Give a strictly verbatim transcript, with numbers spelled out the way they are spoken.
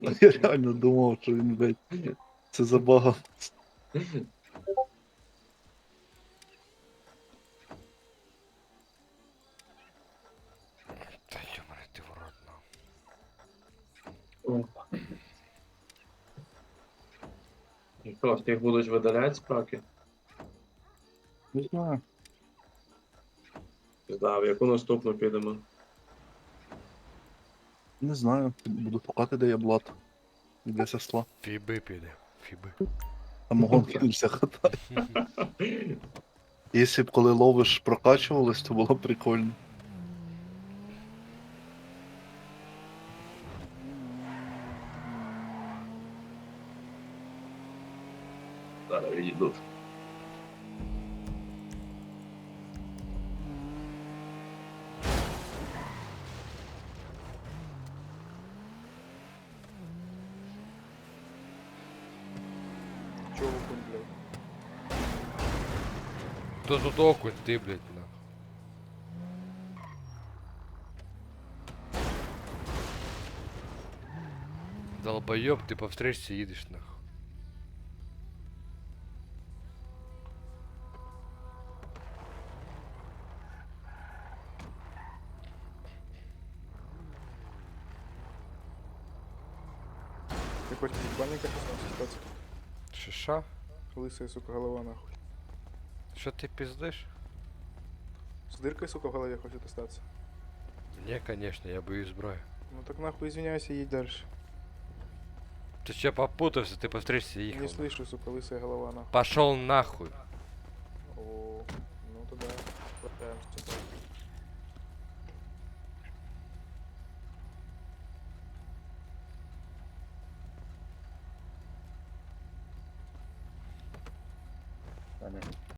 Я реально думав, що він, блядь, це забага. Та йоманий ти в рот, ну. О. І що, всіх будуть видаляти з праки? Не знаю. Да, в яку наступну підемо? Не знаю. Буду шукати, де є блат. Для сесла. Фіби піде. Фіби. Самогон кинувся хатати. Якщо б коли ловиш прокачувались, то було б прикольно. Зараз відійду. Чого окунь, блядь? Хто тут окунь, ти, блядь, на. Долбоёб, ты по встречке едешь, нахуй. Ты хочешь ебальника писать? Шиша? Лысая, сука, голова нахуй. Что ты пиздишь? С дыркой, сука, в голове хочет остаться. Не, конечно, я боюсь зброю. Ну так нахуй извиняйся, едь дальше. Ты че попутался, ты по встречке ехал? Не слышу, сука, лысая голова нахуй. Пошел нахуй. О, ну тогда хватаемся.